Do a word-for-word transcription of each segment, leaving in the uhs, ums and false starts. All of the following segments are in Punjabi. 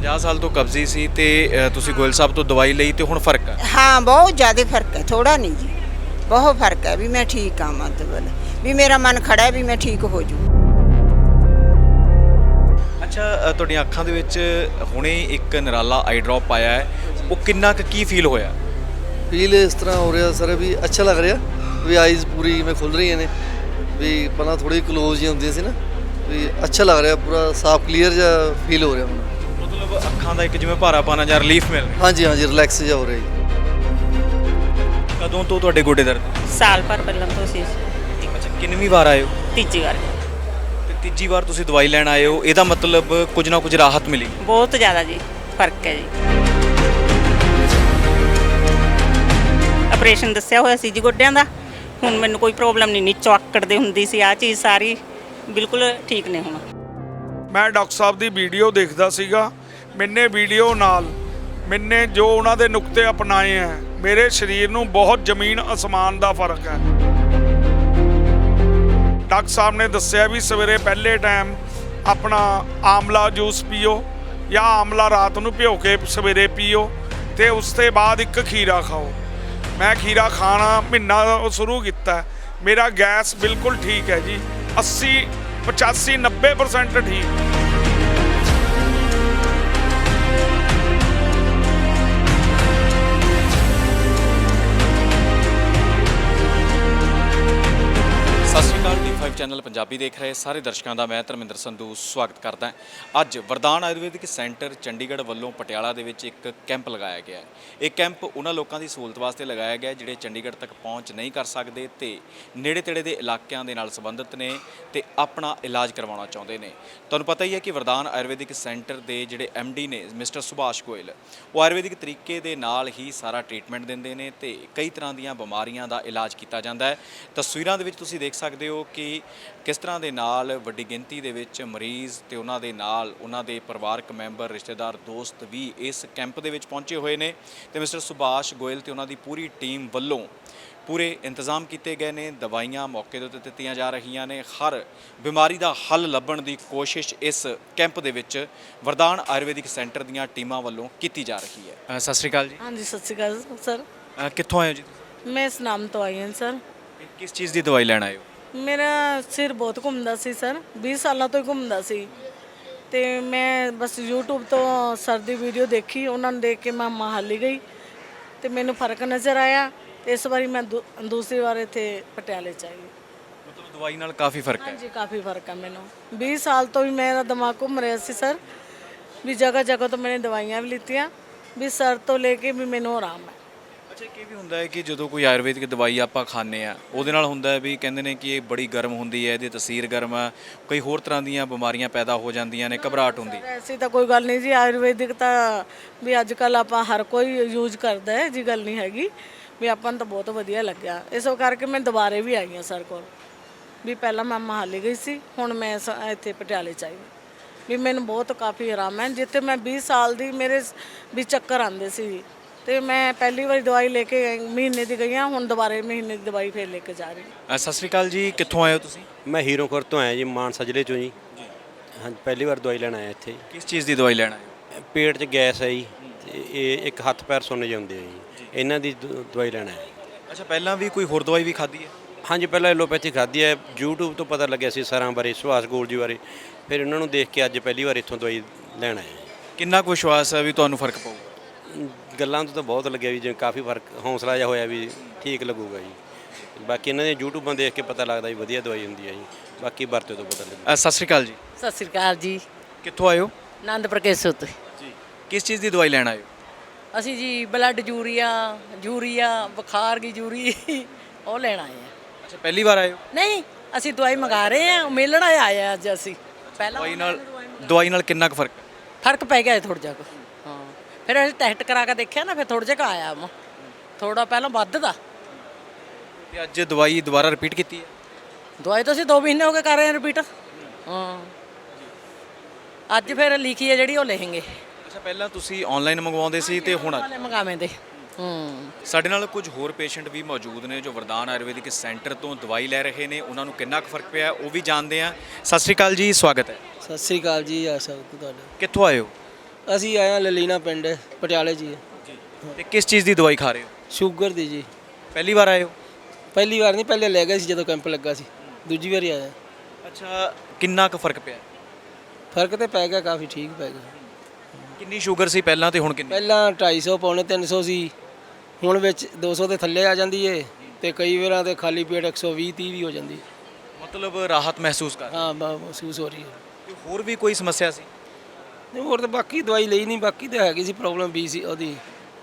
ਪੰਜਾਹ ਸਾਲ ਤੋਂ ਕਬਜ਼ੀ ਸੀ ਤੇ ਅ, ਤੁਸੀਂ ਗੋਇਲ ਸਾਹਿਬ ਤੋਂ ਦਵਾਈ ਲਈ ਤੇ ਹੁਣ ਫਰਕ ਹੈ? ਹਾਂ ਬਹੁਤ ਜ਼ਿਆਦਾ ਫਰਕ ਹੈ, ਥੋੜਾ ਨਹੀਂ ਜੀ, ਬਹੁਤ ਫਰਕ ਹੈ ਵੀ ਮੈਂ ਠੀਕ ਹਾਂ, ਮਤਲਬ ਵੀ ਮੇਰਾ ਮਨ ਖੜਾ ਹੈ ਵੀ ਮੈਂ ਠੀਕ ਹੋ ਜੂ। ਅੱਛਾ, ਅ, ਤੁਹਾਡੀਆਂ ਅੱਖਾਂ ਦੇ ਵਿੱਚ ਹੁਣੇ ਇੱਕ ਨਿਰਾਲਾ ਆਈ ਡ੍ਰੌਪ ਆਇਆ ਹੈ, ਉਹ ਕਿੰਨਾ ਕੁ ਕੀ ਫੀਲ ਹੋਇਆ? ਫੀਲ ਇਸ ਤਰ੍ਹਾਂ ਹੋ ਰਿਹਾ ਸਰ ਵੀ ਅੱਛਾ ਲੱਗ ਰਿਹਾ ਵੀ ਆਈਜ਼ ਪੂਰੀ ਮੈਂ ਖੁੱਲ ਰਹੀਆਂ ਨੇ, ਵੀ ਪਹਿਲਾਂ ਥੋੜੀ ਕਲੋਜ਼ ਹੀ ਹੁੰਦੀਆਂ ਸੀ ਨਾ, ਵੀ ਅੱਛਾ ਲੱਗ ਰਿਹਾ, ਪੂਰਾ ਸਾਫ਼ ਕਲੀਅਰ ਜਿਹਾ ਫੀਲ ਹੋ ਰਿਹਾ ਹੁਣ। ਮਤਲਬ ਅੱਖਾਂ ਦਾ ਇੱਕ ਜਿਵੇਂ ਭਾਰਾਪਨ ਜਾਂ ਰਿਲੀਫ ਮਿਲ ਰਿਹਾ? ਹਾਂਜੀ ਹਾਂਜੀ, ਰਿਲੈਕਸ ਜਿਹਾ ਹੋ ਰਿਹਾ ਜੀ। ਕਦੋਂ ਤੋਂ ਤੁਹਾਡੇ ਗੋਡੇ ਦਰਦ? ਸਾਲ ਭਰ ਪਹਿਲਾਂ ਤੋਂ ਸੀ। ਅੱਛਾ, ਕਿੰਨਵੀਂ ਵਾਰ ਆਏ ਹੋ? ਤੀਜੀ ਵਾਰ। ਤੇ ਤੀਜੀ ਵਾਰ ਤੁਸੀਂ ਦਵਾਈ ਲੈਣ ਆਏ ਹੋ, ਇਹਦਾ ਮਤਲਬ ਕੁਝ ਨਾ ਕੁਝ ਰਾਹਤ ਮਿਲੀ? ਬਹੁਤ ਜ਼ਿਆਦਾ ਜੀ ਫਰਕ ਹੈ ਜੀ। ਆਪਰੇਸ਼ਨ ਦੱਸਿਆ ਹੋਇਆ ਸੀ ਜੀ ਗੋਡਿਆਂ ਦਾ, ਹੁਣ ਮੈਨੂੰ ਕੋਈ ਪ੍ਰੋਬਲਮ ਨਹੀਂ, ਨੀਚੋਂ ਆਕੜਦੇ ਹੁੰਦੀ ਸੀ, ਆ ਚੀਜ਼ ਸਾਰੀ ਬਿਲਕੁਲ ਠੀਕ ਨੇ ਹੁਣ। ਮੈਂ ਡਾਕਟਰ ਸਾਹਿਬ ਦੀ ਵੀਡੀਓ ਦੇਖਦਾ ਸੀਗਾ, ਮੈਨੇ ਵੀਡੀਓ ਨਾਲ ਮੈਨੇ ਜੋ ਉਹਨਾਂ ਦੇ ਨੁਕਤੇ ਅਪਣਾਏ ਹੈ, ਮੇਰੇ ਸਰੀਰ ਨੂੰ ਬਹੁਤ ਜ਼ਮੀਨ ਅਸਮਾਨ ਦਾ ਫਰਕ ਹੈ। ਡਾਕਟਰ ਸਾਹਿਬ ਨੇ ਦੱਸਿਆ ਵੀ ਸਵੇਰੇ ਪਹਿਲੇ ਟਾਈਮ ਆਪਣਾ ਆਮਲਾ ਜੂਸ ਪੀਓ ਜਾਂ ਆਮਲਾ ਰਾਤ ਨੂੰ ਭਿਓ ਕੇ ਸਵੇਰੇ ਪੀਓ, ਤੇ ਉਸ ਤੋਂ ਬਾਅਦ ਇੱਕ ਖੀਰਾ ਖਾਓ। ਮੈਂ ਖੀਰਾ ਖਾਣਾ ਮਹੀਨਾ ਸ਼ੁਰੂ ਕੀਤਾ, ਮੇਰਾ ਗੈਸ ਬਿਲਕੁਲ ਠੀਕ ਹੈ ਜੀ, ਅੱਸੀ ਪਚਾਸੀ ਨੱਬੇ ਪਰਸੈਂਟ ਠੀਕ। ਸਤਿ ਸ਼੍ਰੀ ਅਕਾਲ। ਟੀ ਫਾਈਵ ਚੈਨਲ ਪੰਜਾਬੀ ਦੇਖ ਰਹੇ ਸਾਰੇ ਦਰਸ਼ਕਾਂ ਦਾ ਮੈਂ ਧਰਮਿੰਦਰ ਸੰਧੂ ਸਵਾਗਤ ਕਰਦਾ। ਅੱਜ ਵਰਦਾਨ ਆਯੁਰਵੈਦਿਕ ਸੈਂਟਰ ਚੰਡੀਗੜ੍ਹ ਵੱਲੋਂ ਪਟਿਆਲਾ ਦੇ ਵਿੱਚ ਇੱਕ ਕੈਂਪ ਲਗਾਇਆ ਗਿਆ ਹੈ। ਇਹ ਕੈਂਪ ਉਹਨਾਂ ਲੋਕਾਂ ਦੀ ਸਹੂਲਤ ਵਾਸਤੇ ਲਗਾਇਆ ਗਿਆ ਜਿਹੜੇ ਚੰਡੀਗੜ੍ਹ ਤੱਕ ਪਹੁੰਚ ਨਹੀਂ ਕਰ ਸਕਦੇ ਤੇ ਨੇੜੇ ਤੇੜੇ ਦੇ ਇਲਾਕਿਆਂ ਦੇ ਨਾਲ ਸੰਬੰਧਿਤ ਨੇ ਤੇ ਆਪਣਾ ਇਲਾਜ ਕਰਵਾਉਣਾ ਚਾਹੁੰਦੇ ਨੇ। ਤੁਹਾਨੂੰ ਪਤਾ ਹੀ ਹੈ ਕਿ ਵਰਦਾਨ ਆਯੁਰਵੈਦਿਕ ਸੈਂਟਰ ਦੇ ਜਿਹੜੇ ਐਮ ਡੀ ਨੇ ਮਿਸਟਰ ਸੁਭਾਸ਼ ਗੋਇਲ, ਉਹ ਆਯੁਰਵੈਦਿਕ ਤਰੀਕੇ ਦੇ ਨਾਲ ਹੀ ਸਾਰਾ ਟ੍ਰੀਟਮੈਂਟ ਦਿੰਦੇ ਨੇ ਤੇ ਕਈ ਤਰ੍ਹਾਂ ਦੀਆਂ ਬਿਮਾਰੀਆਂ ਦਾ ਇਲਾਜ ਕੀਤਾ ਜਾਂਦਾ ਹੈ। ਤਸਵੀਰਾਂ ਦੇ ਵਿੱਚ ਤੁਸੀਂ ਦੇਖ ਸਕਦੇ ਹੋ ਕਿ ਕਿਸ ਤਰ੍ਹਾਂ ਦੇ ਨਾਲ ਵੱਡੀ ਗਿਣਤੀ ਦੇ ਵਿੱਚ ਮਰੀਜ਼ ਤੇ ਉਹਨਾਂ ਦੇ ਨਾਲ ਉਹਨਾਂ ਦੇ ਪਰਿਵਾਰਕ ਮੈਂਬਰ, ਰਿਸ਼ਤੇਦਾਰ, ਦੋਸਤ ਵੀ ਇਸ ਕੈਂਪ ਦੇ ਵਿੱਚ ਪਹੁੰਚੇ ਹੋਏ ਨੇ ਤੇ ਮਿਸਟਰ ਸੁਭਾਸ਼ ਗੋਇਲ ਤੇ ਉਹਨਾਂ ਦੀ ਪੂਰੀ ਟੀਮ ਵੱਲੋਂ ਪੂਰੇ ਇੰਤਜ਼ਾਮ ਕੀਤੇ ਗਏ ਨੇ। ਦਵਾਈਆਂ ਮੌਕੇ ਦੇ ਉੱਤੇ ਦਿੱਤੀਆਂ ਜਾ ਰਹੀਆਂ ਨੇ। ਹਰ ਬਿਮਾਰੀ ਦਾ ਹੱਲ ਲੱਭਣ ਦੀ ਕੋਸ਼ਿਸ਼ ਇਸ ਕੈਂਪ ਦੇ ਵਿੱਚ ਵਰਦਾਨ ਆਯੁਰਵੈਦਿਕ ਸੈਂਟਰ ਦੀਆਂ ਟੀਮਾਂ ਵੱਲੋਂ ਕੀਤੀ ਜਾ ਰਹੀ ਹੈ। ਸਤਿ ਸ਼੍ਰੀ ਅਕਾਲ ਜੀ। ਹਾਂਜੀ ਸਤਿ ਸ਼੍ਰੀ ਅਕਾਲ ਸਰ। ਅ, ਕਿੱਥੋਂ ਆਏ ਹੋ ਜੀ? ਮੈਂ ਸੁਨਾਮ ਤੋਂ ਆਈ ਹਾਂ ਸਰ। ਕਿਸ ਚੀਜ਼ ਦੀ ਦਵਾਈ ਲੈਣ ਆਏ ਹੋ? ਮੇਰਾ ਸਿਰ ਬਹੁਤ ਘੁੰਮਦਾ ਸੀ ਸਰ, ਵੀਹ ਸਾਲਾਂ ਤੋਂ ਹੀ ਘੁੰਮਦਾ ਸੀ ਤੇ ਮੈਂ ਬਸ YouTube ਤੋਂ ਸਰ ਦੀ ਵੀਡੀਓ ਦੇਖੀ, ਉਹਨਾਂ ਨੂੰ ਦੇਖ ਕੇ ਮੈਂ ਮਹਾਲੀ ਗਈ ਤੇ ਮੈਨੂੰ ਫਰਕ ਨਜ਼ਰ ਆਇਆ ਤੇ ਇਸ ਵਾਰੀ ਮੈਂ ਦੂ- ਦੂਸਰੀ ਵਾਰ ਇੱਥੇ ਪਟਿਆਲੇ ਚ ਆਈ। ਮਤਲਬ ਦਵਾਈ ਨਾਲ ਕਾਫੀ ਫਰਕ ਹੈ? ਹਾਂਜੀ ਕਾਫੀ ਫਰਕ ਹੈ ਮੈਨੂੰ। ਵੀਹ ਸਾਲ ਤੋਂ ਵੀ ਮੇਰਾ ਦਿਮਾਗ ਘੁੰਮ ਰਿਹਾ ਸੀ ਸਰ, ਵੀ ਜਗ੍ਹਾ ਜਗ੍ਹਾ ਤੋਂ ਮੈंने ਦਵਾਈਆਂ ਵੀ ਲਿੱਤੀਆਂ, ਵੀ ਸਰ ਤੋਂ ਲੈ ਕੇ ਵੀ ਮੈਨੂੰ ਆਰਾਮ ਹੈ। ਅੱਛਾ, ਇਹ ਵੀ ਹੁੰਦਾ ਹੈ ਕਿ ਜਦੋਂ ਕੋਈ ਆਯੁਰਵੈਦਿਕ ਦਵਾਈ ਆਪਾਂ ਖਾਂਦੇ ਆ ਉਹਦੇ ਨਾਲ ਹੁੰਦਾ ਹੈ ਵੀ ਕਹਿੰਦੇ ਨੇ ਕਿ ਇਹ ਬੜੀ ਗਰਮ ਹੁੰਦੀ ਹੈ, ਇਹਦੀ ਤਸੀਰ ਗਰਮ ਆ, ਕਈ ਹੋਰ ਤਰ੍ਹਾਂ ਦੀਆਂ ਬਿਮਾਰੀਆਂ ਪੈਦਾ ਹੋ ਜਾਂਦੀਆਂ ਨੇ, ਘਬਰਾਹਟ ਹੁੰਦੀ। ਐਸੀ ਤਾਂ ਕੋਈ ਗੱਲ ਨਹੀਂ ਜੀ, ਆਯੁਰਵੈਦਿਕ ਤਾਂ ਵੀ ਅੱਜ ਕੱਲ ਆਪਾਂ ਹਰ ਕੋਈ ਯੂਜ਼ ਕਰਦਾ ਹੈ ਜੀ, ਗੱਲ ਨਹੀਂ ਹੈਗੀ ਵੀ ਆਪਾਂ ਨੂੰ ਤਾਂ ਬਹੁਤ ਵਧੀਆ ਲੱਗਿਆ। ਇਸ ਕਰਕੇ ਮੈਂ ਦੁਬਾਰੇ ਵੀ ਆਈ ਹਾਂ ਸਰ ਕੋਲ, ਵੀ ਪਹਿਲਾਂ ਮੈਂ ਮਹਾਲੀ ਗਈ ਸੀ, ਹੁਣ ਮੈਂ ਸ- ਇੱਥੇ ਪਟਿਆਲੇ ਚ ਆਈ ਵੀ ਮੈਨੂੰ ਬਹੁਤ ਕਾਫੀ ਆਰਾਮ ਹੈ। ਜਿੱਥੇ ਮੈਂ ਵੀਹ ਸਾਲ ਦੀ ਮੇਰੇ ਵੀ ਚੱਕਰ ਆਉਂਦੇ ਸੀ ਤੇ ਮੈਂ ਪਹਿਲੀ ਵਾਰੀ ਦਵਾਈ ਲੈ ਕੇ ਗਈ, ਮਹੀਨੇ ਦੀ ਗਈ ਹਾਂ, ਹੁਣ ਦੁਬਾਰੇ ਮਹੀਨੇ ਦੀ ਦਵਾਈ ਫੇਰ ਲੈ ਕੇ ਜਾ ਰਹੀ ਹਾਂ। ਅ, ਸਤਿ ਸ਼੍ਰੀ ਅਕਾਲ ਜੀ। ਕਿੱਥੋਂ ਆਏ ਹੋ ਤੁਸੀਂ? ਮੈਂ ਹੀਰੋਖੁਰ ਤੋਂ ਆਇਆ ਜੀ, ਮਾਨਸਾ ਜ਼ਿਲ੍ਹੇ ਚੋਂ ਜੀ। ਹਾਂਜੀ, ਪਹਿਲੀ ਵਾਰ ਦਵਾਈ ਲੈਣ ਆਇਆ ਇੱਥੇ। ਕਿਸ ਚੀਜ਼ ਦੀ ਦਵਾਈ ਲੈਣ ਆਏ? ਪੇਟ 'ਚ ਗੈਸ ਹੈ ਜੀ ਤੇ ਇਹ ਇੱਕ ਹੱਥ ਪੈਰ ਸੁੰਨ ਜਾਂਦੇ ਆ ਜੀ, ਇਹਨਾਂ ਦੀ ਦ- ਦਵਾਈ ਲੈਣ ਆਇਆ। ਅੱਛਾ, ਪਹਿਲਾਂ ਵੀ ਕੋਈ ਹੋਰ ਦਵਾਈ ਵੀ ਖਾਧੀ ਹੈ? ਹਾਂਜੀ, ਪਹਿਲਾਂ ਐਲੋਪੈਥੀ ਖਾਧੀ ਹੈ, YouTube ਤੋਂ ਪਤਾ ਲੱਗਿਆ ਸੀ ਸਰਾਂ ਬਾਰੇ, ਸੁਭਾਸ਼ ਗੋਲ ਜੀ ਬਾਰੇ, ਫਿਰ ਇਹਨਾਂ ਨੂੰ ਦੇਖ ਕੇ ਅੱਜ ਪਹਿਲੀ ਵਾਰ ਇੱਥੋਂ ਦਵਾਈ ਲੈਣ ਆਇਆ। ਕਿੰਨਾ ਕੁ ਵਿਸ਼ਵਾਸ ਹੈ ਵੀ ਤੁਹਾਨੂੰ ਫਰਕ ਪਊਗਾ? ਗੱਲਾਂ ਤੋਂ ਤਾਂ ਬਹੁਤ ਲੱਗਿਆ ਵੀ ਜਿਵੇਂ ਕਾਫੀ ਫਰਕ, ਹੌਸਲਾ ਜਿਹਾ ਹੋਇਆ ਵੀ ਠੀਕ ਲੱਗੂਗਾ ਜੀ। ਬਾਕੀ ਇਹਨਾਂ ਦੇ YouTubeਾਂ ਦੇਖ ਕੇ ਪਤਾ ਲੱਗਦਾ ਵੀ ਵਧੀਆ ਦਵਾਈ ਹੁੰਦੀ ਹੈ ਜੀ, ਬਾਕੀ ਵਰਤੇ ਤੋਂ ਪਤਾ ਲੱਗਦਾ। ਅ, ਸਤਿ ਸ਼੍ਰੀ ਅਕਾਲ ਜੀ। ਸਤਿ ਸ੍ਰੀ ਅਕਾਲ ਜੀ। ਕਿੱਥੋਂ ਆਏ ਹੋ? ਆਨੰਦਪੁਰ ਕੇਸੋ ਤੋਂ ਜੀ। ਕਿਸ ਚੀਜ਼ ਦੀ ਦਵਾਈ ਲੈਣ ਆਏ ਹੋ? ਅਸੀਂ ਜੀ ਬਲੱਡ ਯੂਰੀਆ ਯੂਰੀਆ ਬੁਖਾਰ ਦੀ ਯੂਰੀ ਉਹ ਲੈਣ ਆਏ ਆ। ਅੱਛਾ, ਪਹਿਲੀ ਵਾਰ ਆਏ ਹੋ? ਨਹੀਂ, ਅਸੀਂ ਦਵਾਈ ਮੰਗਾ ਰਹੇ ਆ, ਮਿਲਣ ਆਏ ਆ ਅੱਜ ਅਸੀਂ। ਪਹਿਲਾਂ ਦਵਾਈ ਨਾਲ ਦਵਾਈ ਨਾਲ ਕਿੰਨਾ ਕੁ ਫਰਕ? ਫਰਕ ਪੈ ਗਿਆ ਥੋੜਾ ਜਿਹਾ ਕੁ। ਹਾਂ, ਫਿਰ ਅਸੀਂ ਟੈਸਟ ਕਰਾ ਕੇ ਦੇਖਿਆ ਨਾ, ਫਿਰ ਥੋੜਾ ਜਿਹਾ ਆਇਆ ਵਾ, ਥੋੜਾ ਪਹਿਲਾਂ ਵੱਧ ਦਾ। ਤੇ ਅੱਜ ਦਵਾਈ ਦੁਬਾਰਾ ਰਿਪੀਟ ਕੀਤੀ ਹੈ? ਦਵਾਈ ਤਾਂ ਅਸੀਂ ਦੋ ਮਹੀਨੇ ਹੋ ਗਏ ਕਰ ਰਹੇ ਆ ਰਿਪੀਟ। ਹਾਂ, ਅੱਜ ਫਿਰ ਲਿਖੀ ਹੈ ਜਿਹੜੀ ਉਹ ਲਿਖਾਂਗੇ। ਅੱਛਾ, ਪਹਿਲਾਂ ਤੁਸੀਂ ਆਨਲਾਈਨ ਮੰਗਵਾਉਂਦੇ ਸੀ ਤੇ ਹੁਣ ਵਾਲੇ ਮੰਗਾਵੇਂ ਦੇ। ਹੂੰ, ਸਾਡੇ ਨਾਲ ਕੁਝ ਹੋਰ ਪੇਸ਼ੈਂਟ ਵੀ ਮੌਜੂਦ ਨੇ ਜੋ ਵਰਦਾਨ ਆਯੁਰਵੈਦਿਕ ਸੈਂਟਰ ਤੋਂ ਦਵਾਈ ਲੈ ਰਹੇ ਨੇ। ਉਹਨਾਂ ਨੂੰ ਕਿੰਨਾ ਕੁ ਫਰਕ ਪਿਆ ਉਹ ਵੀ ਜਾਣਦੇ ਆ। ਸਤਿ ਸ਼੍ਰੀ ਅਕਾਲ ਜੀ, ਸਵਾਗਤ ਹੈ। ਸਤਿ ਸ੍ਰੀ ਅਕਾਲ ਜੀ, ਆ ਸਭ ਤੁਹਾਡਾ। ਕਿੱਥੋਂ ਆਏ ਹੋ? ਅਸੀਂ ਆਏ ਹਾਂ ਲਲੀਨਾ ਪਿੰਡ ਪਟਿਆਲੇ ਜੀ ਜੀ ਤੇ ਕਿਸ ਚੀਜ਼ ਦੀ ਦਵਾਈ ਖਾ ਰਹੇ ਹੋ? ਸ਼ੂਗਰ ਦੀ ਜੀ। ਪਹਿਲੀ ਵਾਰ ਆਏ ਹੋ? ਪਹਿਲੀ ਵਾਰ ਨਹੀਂ, ਪਹਿਲੇ ਲੈ ਗਏ ਸੀ ਜਦੋਂ ਕੈਂਪ ਲੱਗਾ ਸੀ, ਦੂਜੀ ਵਾਰੀ ਆਇਆ। ਅੱਛਾ, ਕਿੰਨਾ ਕੁ ਫਰਕ ਪਿਆ? ਫਰਕ ਤੇ ਪੈ ਗਿਆ, ਕਾਫੀ ਠੀਕ ਪੈ ਗਿਆ। ਕਿੰਨੀ ਸ਼ੂਗਰ ਸੀ ਪਹਿਲਾਂ ਤੇ ਹੁਣ ਕਿੰਨੀ? ਪਹਿਲਾਂ ਢਾਈ ਸੌ ਪੌਣੇ ਤਿੰਨ ਸੌ ਸੀ, ਹੁਣ ਵਿੱਚ ਦੋ ਸੌ ਦੇ ਥੱਲੇ ਆ ਜਾਂਦੀ ਏ ਤੇ ਕਈ ਵਾਰਾਂ ਤੇ ਖਾਲੀ ਪੇਟ ਇੱਕ ਸੌ ਵੀਹ ਤੀਹ ਵੀ ਹੋ ਜਾਂਦੀ। ਮਤਲਬ ਰਾਹਤ ਮਹਿਸੂਸ ਕਰ? ਹਾਂ, ਬ- ਮਹਿਸੂਸ ਹੋ ਰਹੀ ਹੈ। ਤੇ ਹੋਰ ਵੀ ਕੋਈ ਸਮੱਸਿਆ ਸੀ? ਨਹੀਂ, ਹੋਰ ਤਾਂ ਬਾਕੀ ਦਵਾਈ ਲਈ ਨਹੀਂ, ਬਾਕੀ ਤਾਂ ਹੈਗੀ ਸੀ ਪ੍ਰੋਬਲਮ ਬੀ ਸੀ ਉਹਦੀ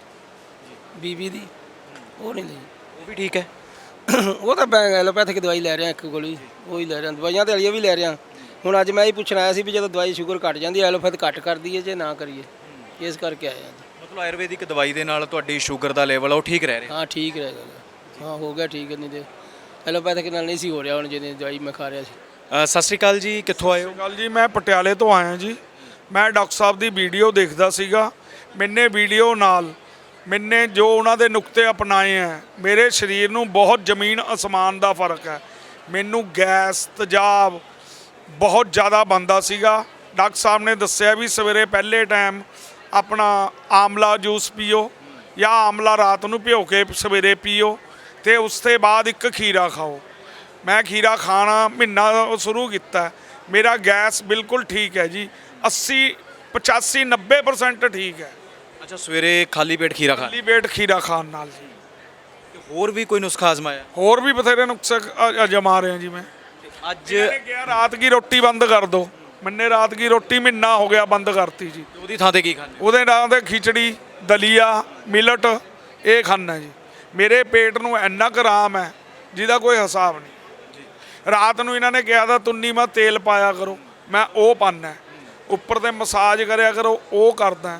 ਬੀਬੀ ਦੀ, ਉਹ ਨਹੀਂ ਲਈ। ਉਹ ਵੀ ਠੀਕ ਹੈ? ਉਹ ਤਾਂ ਮੈਂ ਐਲੋਪੈਥਿਕ ਦਵਾਈ ਲੈ ਰਿਹਾ, ਇੱਕ ਗੋਲੀ ਉਹੀ ਲੈ ਰਿਹਾ, ਦਵਾਈਆਂ ਤੇ ਵਾਲੀਆਂ ਵੀ ਲੈ ਰਿਹਾ। ਹੁਣ ਅੱਜ ਮੈਂ ਹੀ ਪੁੱਛਣ ਆਇਆ ਸੀ ਵੀ ਜਦੋਂ ਦਵਾਈ ਸ਼ੂਗਰ ਘਟ ਜਾਂਦੀ ਹੈ ਐਲੋਪੈਥ ਘੱਟ ਕਰ ਦਈਏ ਜੇ ਨਾ ਕਰੀਏ, ਇਸ ਕਰਕੇ ਆਇਆ ਅੱਜ। ਮਤਲਬ ਆਯੁਰਵੈਦਿਕ ਦਵਾਈ ਦੇ ਨਾਲ ਤੁਹਾਡੀ ਸ਼ੂਗਰ ਦਾ ਲੈਵਲ ਉਹ ਠੀਕ ਰਹਿ ਰਿਹਾ? ਹਾਂ, ਠੀਕ ਰਹੇਗਾ। ਹਾਂ, ਹੋ ਗਿਆ ਠੀਕ, ਨਹੀਂ ਤੇ ਐਲੋਪੈਥਿਕ ਨਾਲ ਨਹੀਂ ਸੀ ਹੋ ਰਿਹਾ ਹੁਣ ਜਿਹਦੀ ਦਵਾਈ ਮੈਂ ਖਾ ਰਿਹਾ ਸੀ। ਅ, ਸਤਿ ਸ਼੍ਰੀ ਅਕਾਲ ਜੀ, ਕਿੱਥੋਂ ਆਏ ਹੋ? ਗੱਲ ਜੀ, ਮੈਂ ਪਟਿਆਲੇ ਤੋਂ ਆਇਆ ਜੀ। ਮੈਂ ਡਾਕਟਰ ਸਾਹਿਬ ਦੀ ਵੀਡੀਓ ਦੇਖਦਾ ਸੀਗਾ। ਮੈਨੇ ਵੀਡੀਓ ਨਾਲ ਮੈਨੇ ਜੋ ਉਹਨਾਂ ਦੇ ਨੁਕਤੇ ਅਪਣਾਏ ਹੈ, ਮੇਰੇ ਸਰੀਰ ਨੂੰ ਬਹੁਤ ਜ਼ਮੀਨ ਅਸਮਾਨ ਦਾ ਫਰਕ ਹੈ। ਮੈਨੂੰ ਗੈਸ ਤੇਜ਼ਾਬ ਬਹੁਤ ਜ਼ਿਆਦਾ ਬਣਦਾ ਸੀਗਾ। ਡਾਕਟਰ ਸਾਹਿਬ ਨੇ ਦੱਸਿਆ ਵੀ ਸਵੇਰੇ ਪਹਿਲੇ ਟਾਈਮ ਆਪਣਾ ਆਮਲਾ ਜੂਸ ਪੀਓ ਜਾਂ ਆਮਲਾ ਰਾਤ ਨੂੰ ਭਿਓ ਕੇ ਸਵੇਰੇ ਪੀਓ ਅਤੇ ਉਸ ਤੋਂ ਬਾਅਦ ਇੱਕ ਖੀਰਾ ਖਾਓ। ਮੈਂ ਖੀਰਾ ਖਾਣਾ ਮਹੀਨਾ ਸ਼ੁਰੂ ਕੀਤਾ। ਮੇਰਾ ਗੈਸ ਬਿਲਕੁਲ ਠੀਕ ਹੈ ਜੀ, ਅੱਸੀ ਪਚਾਸੀ ਨੱਬੇ ਪਰਸੈਂਟ ਠੀਕ ਹੈ। ਅੱਛਾ, ਸਵੇਰੇ ਖਾਲੀ ਪੇਟ ਖੀਰਾ ਖਾ? ਖਾਲੀ ਪੇਟ ਖੀਰਾ ਖਾਣ ਨਾਲ ਜੀ। ਤੇ ਹੋਰ ਵੀ ਕੋਈ ਨੁਸਖਾ ਆਜ਼ਮਾਇਆ? ਹੋਰ ਵੀ ਬਥੇਰੇ ਨੁਕਸੇ ਅ- ਅਜਮਾ ਰਹੇ ਜੀ ਮੈਂ। ਅੱਜ ਇਹਨੇ ਕਿਹਾ ਰਾਤ ਕੀ ਰੋਟੀ ਬੰਦ ਕਰ ਦਿਓ। ਮੈਨੇ ਰਾਤ ਕੀ ਰੋਟੀ ਮਹੀਨਾ ਹੋ ਗਿਆ ਬੰਦ ਕਰਤੀ ਜੀ। ਉਹਦੀ ਥਾਂ ਤੇ ਕੀ ਖਾਂਦੇ ਹੋ? ਉਹਦੇ ਨਾਲ ਤੇ ਖਿਚੜੀ, ਦਲੀਆ, ਮਿਲਟ ਇਹ ਖਾਣਾ ਜੀ। ਮੇਰੇ ਪੇਟ ਨੂੰ ਇੰਨਾ ਕੁ ਆਰਾਮ ਹੈ ਜਿਹਦਾ ਕੋਈ ਹਿਸਾਬ ਨਹੀਂ। ਰਾਤ ਨੂੰ ਇਹਨਾਂ ਨੇ ਕਿਹਾ ਤਾਂ ਤੁੰਨੀ ਮੈਂ ਤੇਲ ਪਾਇਆ ਕਰੋ, ਮੈਂ ਉਹ ਪਾਉਂਦਾ। ਉੱਪਰ ਤੇ ਮਸਾਜ ਕਰਿਆ ਕਰੋ, ਉਹ ਕਰਦਾ।